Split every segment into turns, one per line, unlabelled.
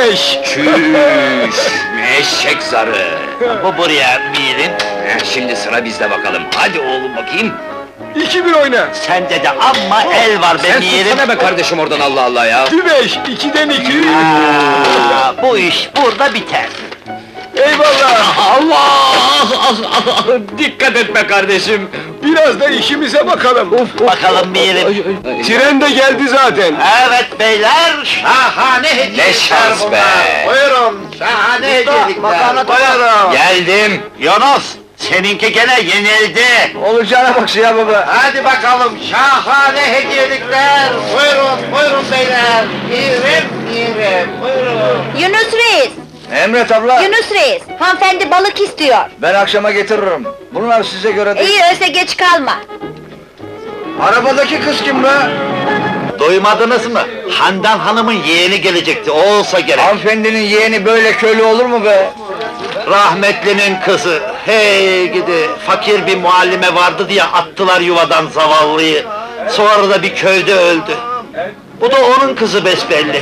5.
Çüş! Eşek zarı!
Bu buraya Mirim.
Şimdi sıra bizde bakalım. Hadi oğlum bakayım.
2-1 oyna.
Sende de amma el var be
Sen
Mirim.
tutsana be kardeşim oradan Allah Allah ya!
2-5, 2'den 2.
Bu iş burada biter.
Eyvallah.
Allah! Dikkat et be kardeşim!
Biraz da işimize bakalım.
Bakalım Mirim.
Tren de geldi zaten.
Evet beyler, şahane hediyelikler
Ne şans be!
bunlar. Buyurun, şahane hediyelikler. Buyurun.
Geldim!
Yunus, seninki gene yenildi.
Olacağına bak ya baba.
Hadi bakalım, şahane hediyelikler. Buyurun, buyurun beyler. Mirim, buyurun.
Yunus Reis!
Emret abla,
Yunus Reis! Hanımefendi balık istiyor.
ben akşama getiririm. Bunlar size göre değil.
İyi öyleyse geç kalma.
Arabadaki kız kim be?
Duymadınız mı? Handan Hanım'ın yeğeni gelecekti, o olsa gerek.
Hanımefendinin yeğeni böyle köylü olur mu be?
Rahmetlinin kızı, hey gidi, fakir bir muallime vardı diye attılar yuvadan zavallıyı. Sonra da bir köyde öldü. Bu da onun kızı besbelli.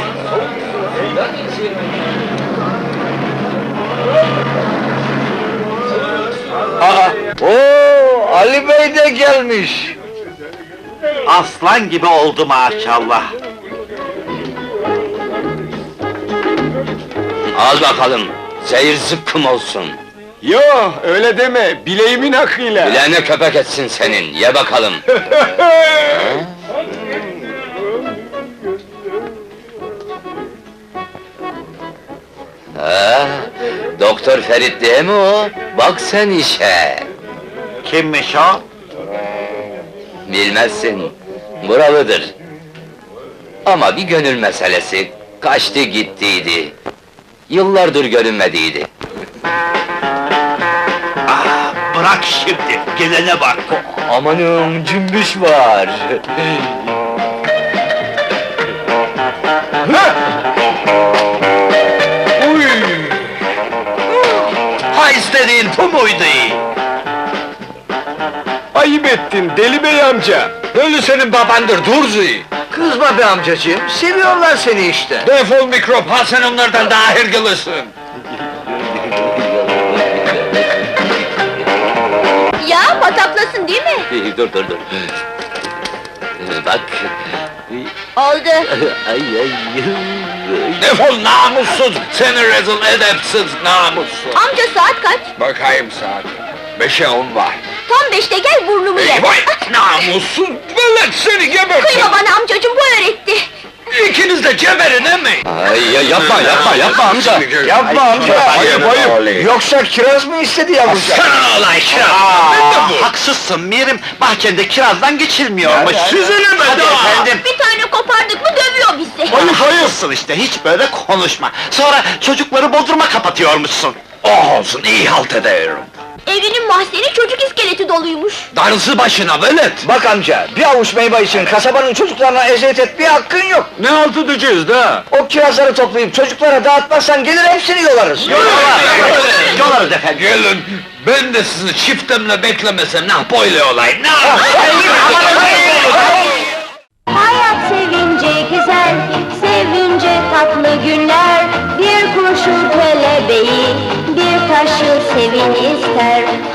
Oo, Ali Bey de gelmiş.
Aslan gibi oldu maşallah.
Al bakalım, seyir zıkkım olsun!
Yo, öyle deme. Bileğimin hakkıyla.
Bileğine köpek etsin senin, ye bakalım! Ha, Doktor Ferit değil mi o? Bak sen işe!
Kimmiş o?
Bilmezsin, buralıdır. Ama bir gönül meselesi, kaçtı gittiydi. Yıllardır görünmediydi.
Bırak şimdi, gelene bak.
Amanım, cümbüş var!
Uy!
Ha istediğin bu muydu?
Ayıp ettin Deli Bey amca.
Ölü senin babandır, Durzi!
Kızma be amcacığım, seviyorlar seni işte.
Defol mikrop, ha sen onlardan daha hırgılısın!
Ya pataplasın değil mi?
Dur. Bak!
Oldu.
Ay! Defol namussuz! Seni rezil edepsiz namussuz!
Amca saat kaç?
Bakayım saat. 5'e 10 var.
Tam 5'te gel burnumu ye.
Vay! Namussuz! Velet seni gebertin!
Kıyma bana amcacığım bu öğretti.
İkiniz de geberin mi? Ay yapma amca!
Yapma amca.
Ayıp, ayıp.
Yoksa kiraz mı istedi yavrucak?
Sana olay kiraz!
Haksızsın Mirim, bahçende kirazdan geçilmiyormuş.
Hadi,
Sizin
hadi
efendim.
Bir tane kopardık mı dövüyor bizi.
Hayırsın işte, hiç böyle konuşma. Sonra çocukları bodruma kapatıyormuşsun.
Oh olsun, iyi halt ederim.
Evinin mahzeni çocuk iskeleti doluymuş.
Darısı başına velet!
Bak amca, bir avuç meyve için kasabanın çocuklarına eziyet etmeye hakkın yok.
Ne halt edeceğiz da?
O kirazları toplayıp çocuklara dağıtmazsan gelir hepsini yolarız.
Yolarız efendim.
Gelin, ben de sizi çiftemle beklemesem ne böyle olay, ne
Hayat sevince güzel, sevince tatlı günler. Bir kurşun kelebeği, bir taşı sevin ister.